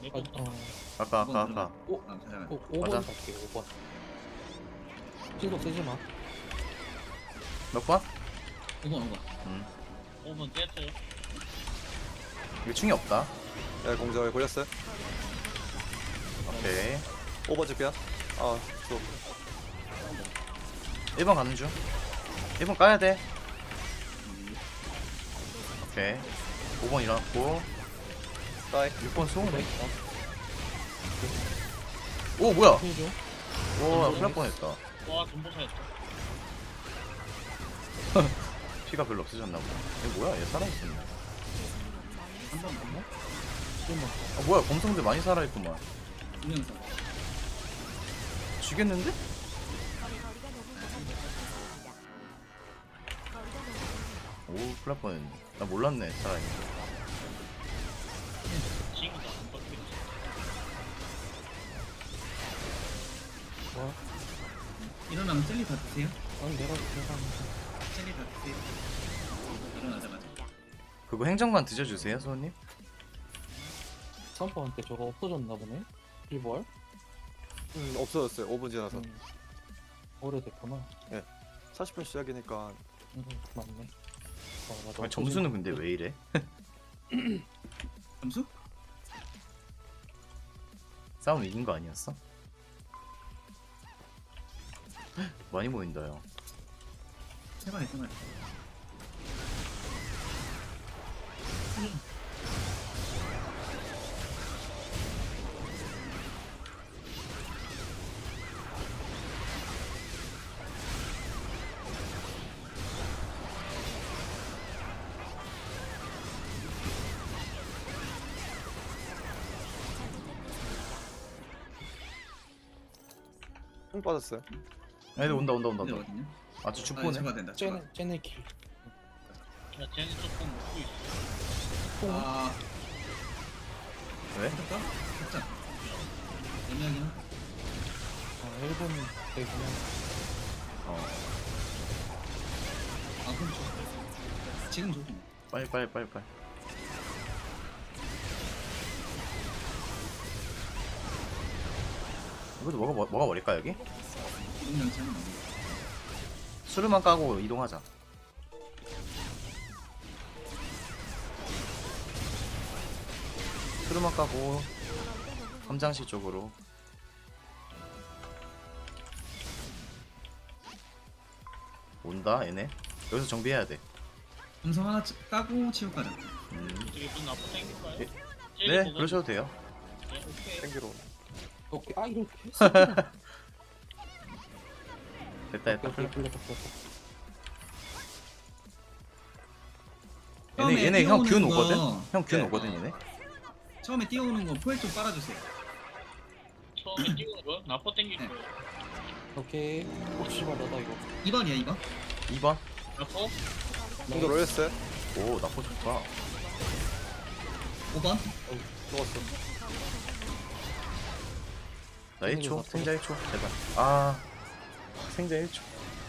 아까. 오, 잠깐만. 5번 맞아. 갈게 5번. 신속 쓰지 마. 몇 번? 5번. 5번 깼어요. 이거 충이 없다. 야 공절 걸렸어요. 오케이. 5번 줄게요. 아, 또 1번 가는 중. 1번 까야 돼. 오케이. 5번 일어났고. 따이. 6번 쏘네. 네. 오, 뭐야? 힐 좀. 오, 큰일 날 뻔했다. 와, 전보사였다. 피가 별로 없어졌나 보다. 얘 뭐야? 얘 살아있었네. 한번 넘어? 1번. 아, 뭐야? 검성들 많이 살아있구만. 두명서 죽겠는데? 오, 큰일 날 뻔했네. 나 몰랐네, 살아있는 거. 지금도 안 바뀌었지. 와. 일어나면 젤리 다 드세요? 아니 내가 젤리 다 드세요. 일어나자마자. 그거 행정관 드셔주세요, 소님. 3번한테 저거 없어졌나 보네. 1벌? 없어졌어요. 5분 지나서. 오래됐구나. 40분 시작이니까 맞네. 맞아. 아니, 점수는 근데 왜 이래? 점수? 싸움 이긴 거 아니었어? 많이 모인다, 요. 세 마리. 총 빠졌어요. 애들 온다. 근데 어딨냐? 아주 아, 축구네. 잡아야 된다. 쟤네 킬. 야, 쟤는 조금 먹고 있어. 아, 왜? 할까? 살짝. 애매하긴 하다. 1번 되면 어, 아, 그럼 줘. 지금 줘. 빨리. 이것도 뭐가 버릴까, 여기? 이동량 차는 안 돼. 수르만 까고 이동하자. 수르만 까고 함장실 쪽으로. 온다, 얘네. 여기서 정비해야 돼. 음성 하나 까고 치고 가자. 이게 무슨 나쁜 땡길까요? 네, 그러셔도 돼요. 네, 오케이. 땡기로. 오케이. 아 이렇게. 됐다. 풀렸어. 처음에 얘네 형 균 뛰어오는 오거든? 거. 형 균 네. 오거든, 얘네. 처음에 뛰어오는 거 포획 좀 빨아주세요. 처음에 띄우는 거? 나빠 땡길 네. 거야. 오케이. 씨발 나다 이거. 2번이야, 2번. 2번. 나빠? 공절 올렸어요. 오, 나포 좋다. 5번. 죽었어. 나 1초, 생자 1초, 제발. 아, 생자 1초.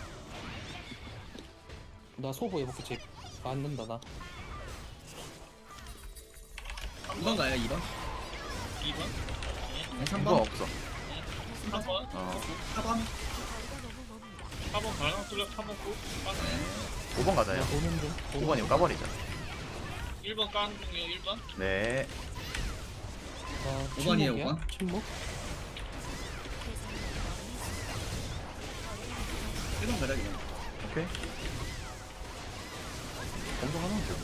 나 소보 해볼게 집. 안 된다 나. 2번 가요, 2번. 2번? 네, 2번 3번. 없어. 3번? 어, 4번. 4번 발광 뚫려 4번 고? 네. 5번 가자요. 오는 중. 5번 이거 까버리자. 1번 까는 중이에요, 1번? 네. 5번이에요, 침묵이야? 5번. 침묵? 1번 가자, 2번. 오케이. 검정 하나면 돼.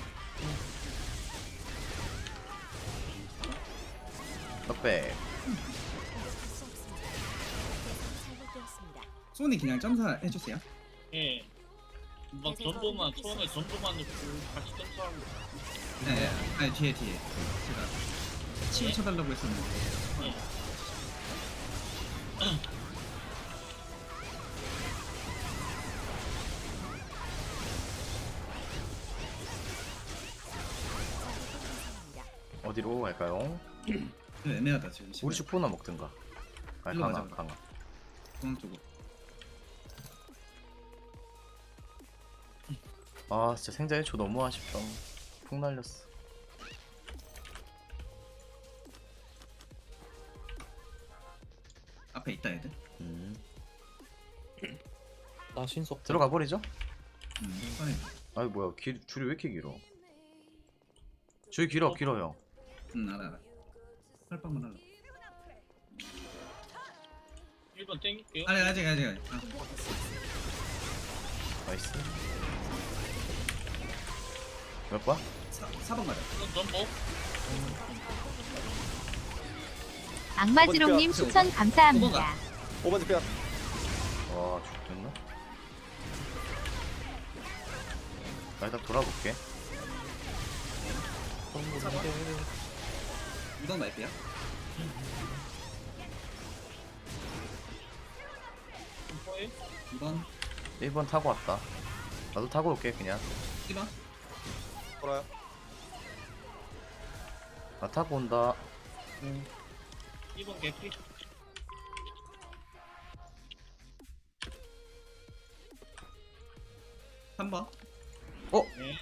넉백. 소니 그냥 점사 해주세요. 예. 막 전도만, 처음에 전도만 넣고 같이 점수하고. 네, 아니 뒤에. 제가 치유 쳐달라고 했었는데. 예. 어디로 갈까요? 좀 애매하다 지금. 우리 슈퍼나 먹든가. 아, 일로 강화, 가자. 강화. 중앙 쪽으로. 아, 진짜 생자 1초 너무 아쉽다. 푹 날렸어. 앞에 있다 애들. 나 신속 들어가 버리죠? 꺼내. 아이 뭐야 줄이 왜 이렇게 길어? 줄이 길어요. 알아. 설방만 하려. 1번 땡길게요. 아니 아직. 아, 나이스. 몇 번? 4번 가자. 이건 전복. 악마지롱님 추천 감사합니다. 5번 집이야. 와 죽겠나? 나 일단 돌아볼게. 건물인데 2번 말게요. 2번 1번 타고 왔다. 나도 타고 올게 그냥. 1번 돌아요. 나 타고 온다. 2번 개피. 삼 번. 네.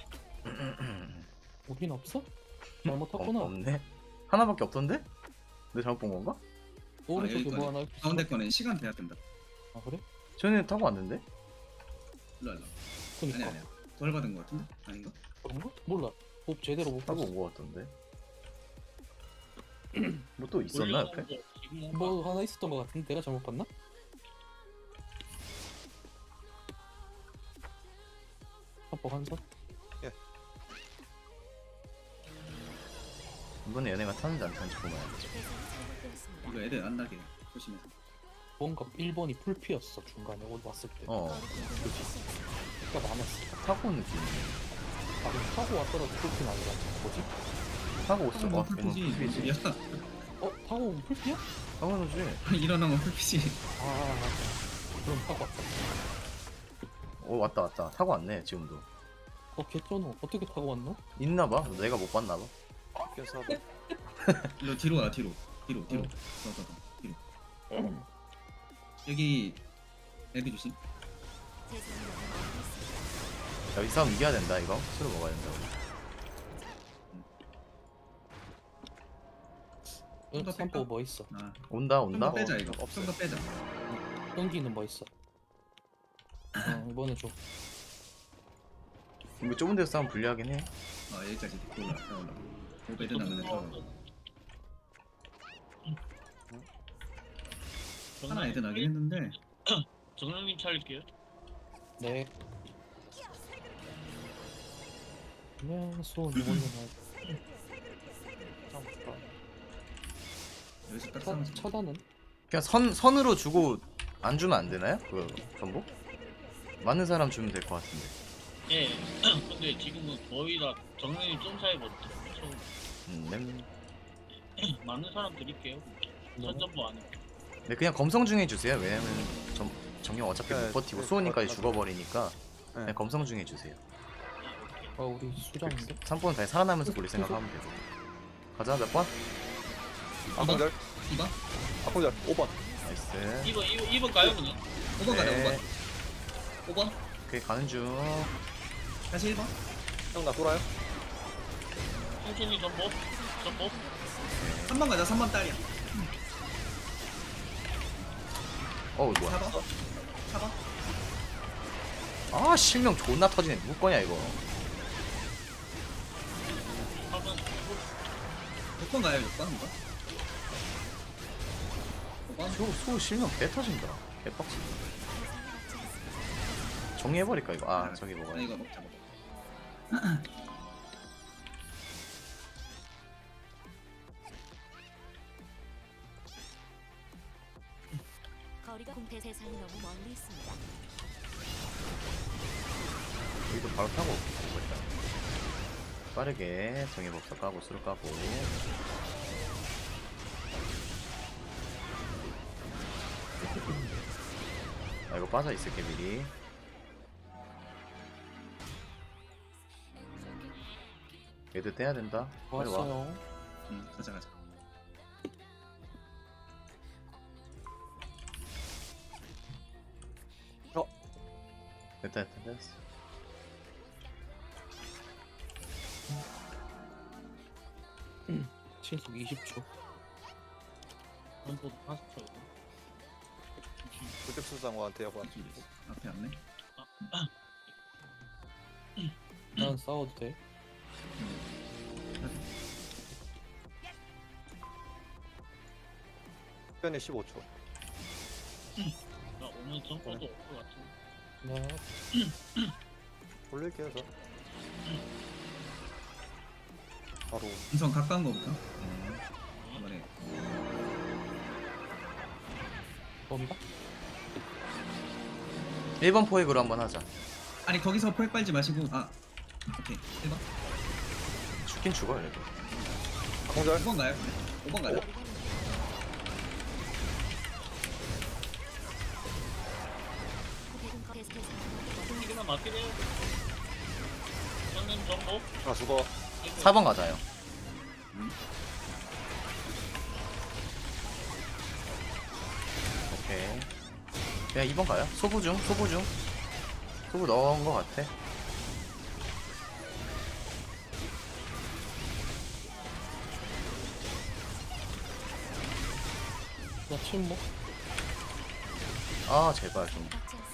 우린 없어? 잘못했구나. 없네. 하나밖에 없던데? 내가 잘못 본 건가? 오른쪽에 여기 뭐 하나 있어? 가운데 거는 시간 돼야 된다. 아 그래? 전에 타고 왔는데? 일로 일로. 그니까 아니야. 덜 받은 거 같은데? 아닌가? 그런가? 몰라. 법 제대로 못 타고 봤어. 온 거 같던데. 뭐 또 있었나 옆에? 지금 뭔가 뭐 하나 있었던 것 같은데 내가 잘못 봤나? 합법 한 선? 이번에 얘네가 타는지 안 타는지 보면 알지. 이거 애들 안 나게 조심해서. 뭔가 1번이 풀피였어 중간에 오늘 왔을 때. 그러니까 많았어. 타고 온 느낌. 아 그럼 타고 왔더라도 풀피는 아니라 뭐지? 타고 왔어. 뭐 오면 풀피지. 풀피지. 야 어? 타고 오면 풀피야? 당연하지. 일어나면 풀피지. 아 그럼 타고 왔다. 왔다. 타고 왔네 지금도. 개쩌노. 어떻게 타고 왔노? 있나봐. 내가 못 봤나봐. 그래서 4번. 일로 뒤로 와 뒤로. 뒤로. 더 뒤로. 여기 애들 조심. 야, 이 싸움 이겨야 된다 이거. 술을 먹어야 된다. 좀더 삼보 뭐 있어? 아, 온다. 좀더 빼자 이거. 좀 더 빼자. 연기는 뭐 있어? 이번에 좀 이거 좁은 데서 싸움 불리하긴 해. 여기까지 올라. 애들 나면 하나 애들 나긴 했는데 정영님 차릴게요. 네. 그러면 수원 이번에는 여기서 딱 싸우면 차단은? 그냥 선으로 주고 안 주면 안 되나요? 그 전복? 맞는 사람 주면 될 것 같은데. 예. 근데 지금은 거의 다 정영님 좀 차이거든요. 많은 사람 드릴게요. 선전보 안 해. 네 그냥 검성 중에 주세요. 왜냐면 정령 어차피 네, 못 버티고 네, 수호니까지 맞아. 죽어버리니까 네. 그냥 검성 중에 주세요. 우리 수장인데? 3번 다시 살아나면서 돌릴 생각하면 되고. 가자 몇 번? 악공절. 2번? 악공절. 5번. 나이스. 2번 가요 그냥. 5번 가자 네. 5번. 5번. 오케이 가는 중. 다시 1번. 형 나 돌아요. 천천히 전복. 3번 가자 3번 딸이야. 어우 뭐야. 4번. 4번. 아 실명 존나 터지네. 누구 거냐 이거. 4번 6번 가요 6번 이거. 5번. 수 실명 개 터진다. 개빡치다. 정리해버릴까 이거. 아 저기 먹어야 돼. 이거 먹자. 거리가 공태 세상이 너무 멀리 있습니다. 여기도 바로 타고 가고 일단. 빠르게 정예법사 까고 수를 까고. 아 이거 빠져 있을게 미리. 얘들 떼야 된다. 빨리 와. 왔어요. 가자. 됐다. 신속 20초. 전복 40초. 불격수장관한테 여봐. 앞에 없네. 난 싸워도 돼? 특변이 15초. 나 오늘 점퍼도 없을 것 같은. 나 올릴게요, 저. 바로. 우선 가까운 거부터. 이번에 bomba? 1번 포획으로 한번 하자. 아니 거기서 포획 빨지 마시고 오케이 1번 죽긴 죽어요 얘도. 악공절. 5번 가요? 5번 가자. 이기만 맞게 돼요. 저는 점퍼. 아, 죽어. 4번 가자요. 오케이. 그냥 2번 가요. 소부 중. 소부 넣은 거 같아. 나 침묵? 아 제발 좀.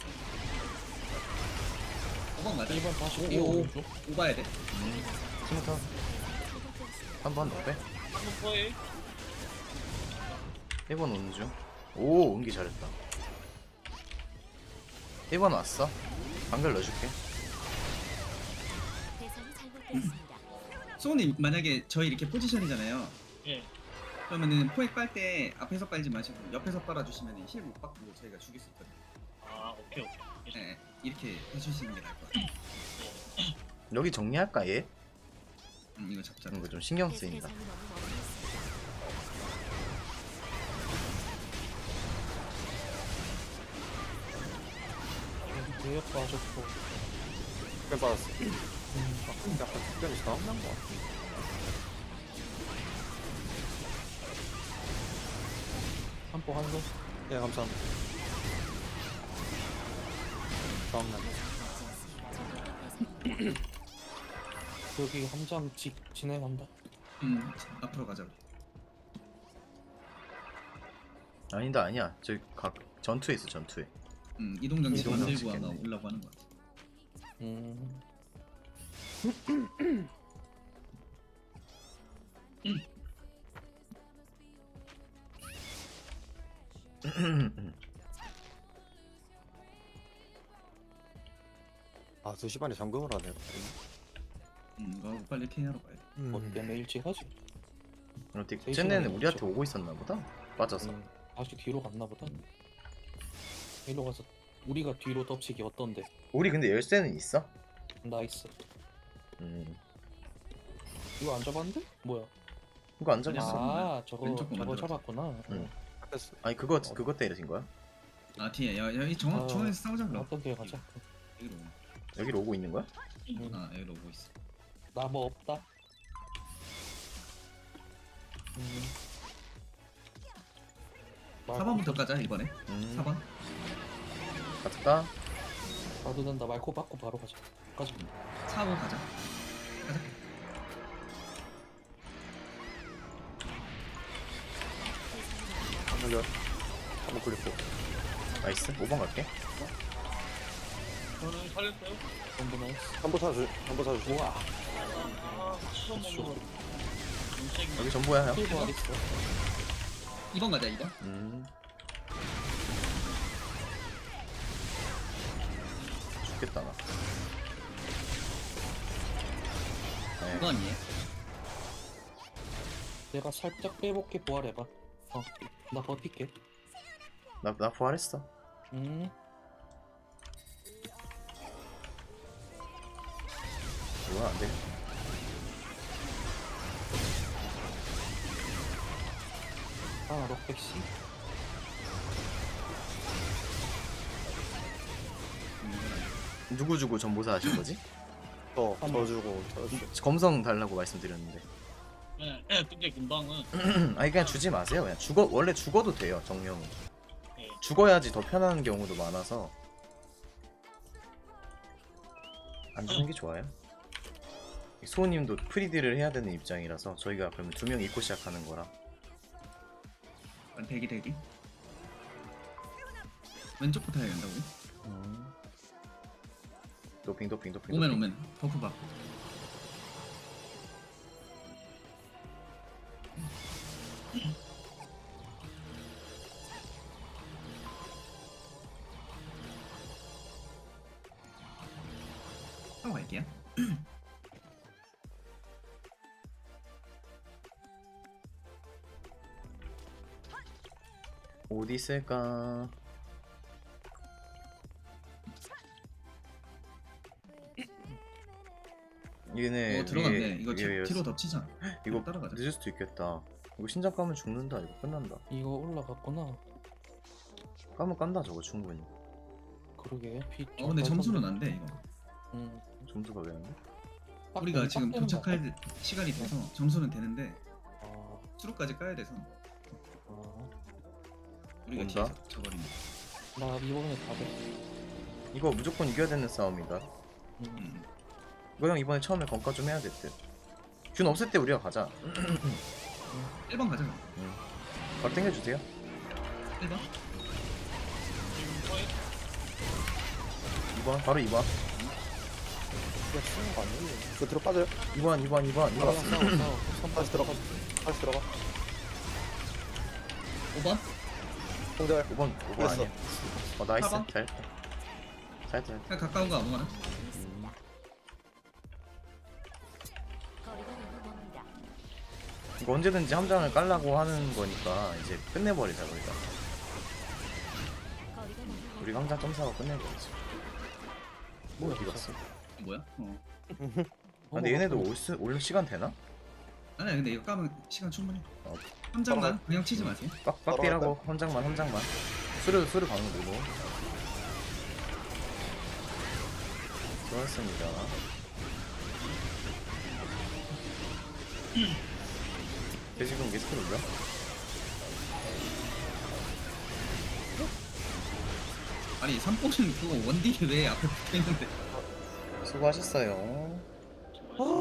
5번 가자. 1번 다시 오, 뛰어오는 중? 5 봐야 돼. 스무터. 한번 더 빼. 한번 포에. 1번 오는 중. 오 은기 잘했다. 1번 왔어. 방글 넣어줄게. 소우님 만약에 저희 이렇게 포지션이잖아요. 예. 그러면은 포획 빨 때 앞에서 빨지 마시고 옆에서 빨아주시면 힐 못 받고 저희가 죽일 수 있거든요. 아 오케이 오케이. 네, 이렇게 해주시는 게 나을 것 같아요. 여기 정리할까 얘? 이거 잡자. 이거 좀 신경 쓰인다. 대역 빠졌고. 특변 받았어. 약간 특변이 나온단 거 같아. 한포 한손. 예, 감사합니다. 다음날. 여기 함장 진행한다. 앞으로 가자. 아니다 아니야. 저기 전투에 있어 전투에. 이동 장치 이동 만들고 장치 아마 있겠네. 오려고 하는 것 같아. 아, 2시 반에 잠금을 하네요. 이거 빨리 케어하러 가야 돼. 뭐 때문에 일찍 하지? 어떻게 세 쟤네는 시간이 우리한테 넘죠. 오고 있었나 보다. 빠져서. 다시 뒤로 갔나 보다. 일로 가서 우리가 뒤로 덮치기 어떤데? 우리 근데 열쇠는 있어? 나이스. 음. 이거 안 잡았는데? 뭐야? 그거 안 잡았어. 아 저거 왼쪽 거 저거 만들었어. 잡았구나. 응. 됐어. 아니 그거 때리신 거야? 뒤에 여기 정원에서 싸우자 그럼. 어떤 길 가자. 여기로. 여기로 오고 있는 거야? 여기로 오고 있어. 나 뭐 없다. 음. 4번부터 가자 이번에. 4번. 갔다. 가도 된다. 말코 받고 바로 가자. 가자. 4번 가자. 가자. 악공절. 한번 굴렸고. 나이스. 5번 갈게. 저는 살렸어요. 전부 나이스. 한번 사주. 우와. 처음 먹는 거. 여기 전부야 형. 필보 어딨어? 2번 가자 2번. 죽겠다 나. 네. 2번이에. 내가 살짝 빼볼게. 부활해봐. 나 버틸게. 나 부활했어. 뭐야 안 돼. 록백씨. 누구 주고 전보사 하신 거지? 저 주고. 검성 달라고 말씀드렸는데. 예, 근데 금방은 아니 그냥 주지 마세요. 그냥 원래 죽어도 돼요 정령은. 예. 죽어야지 더 편한 경우도 많아서 안 주는 게 좋아요. 수호님도 프리딜을 해야 되는 입장이라서 저희가 그러면 2명 입고 시작하는 거라. 대기. 왼쪽부터 해야 된다고. 도핑 도핑 도핑. 오면 오면 버프 받고. 하고 갈게요. 어디 있을까? 얘네 들어갔네. 위에- 이거 위에 뒤로 덮치자. 이거 따라가자. 늦을 수도 있겠다. 이거 신장 까면 죽는다. 이거 끝난다. 이거 올라갔구나. 까면 깐다 저거 충분히. 그러게. 피. 근데 점수는 안 돼 이거. 점수가 왜 안 돼? 우리가 지금 빡 되는 거 같아. 도착할 시간이 돼서 점수는 되는데 아, 수로까지 까야 돼서 아. 우리가 온다? 뒤에서 져버리네. 나 이번에 다 돼. 이거 무조건 이겨야 되는 싸움이다. 이거 형 이번에 처음에 건가 좀 해야 될 듯. 균 없을 때 우리가 가자. 1번 가자. 바로 땡겨주세요. 1번. 2번 바로 2번. 그냥 치는 거 아니에요? 이거 들어 빠져요? 2번 2번 2번 2번. 다시 들어가. 다시 들어가. 5번. 공절. 5번 5번 됐어. 아니야. 나이스. 4번. 잘했다. 잘했다. 그냥 가까운 거 아무거나. 거리가 너무 먼다. 이거 언제든지 함장을 깔라고 하는 거니까 이제 끝내버리자 우리가. 거리가 너무 멀다. 우리가 함장 점사하고 끝내버리자. 뭐 어디 갔어? 뭐야? 근데 얘네도 올 시간 되나? 아니야 근데 이거 까면 시간 충분해. 어. 함장만 그냥 치지 마세요. 빡빡비라고 헌장만. 수르 가는 거고. 좋았습니다. 돼지금 게스트 올려? 아니 3포는 그거 원딜이 왜 앞에 붙어있는데 수고하셨어요.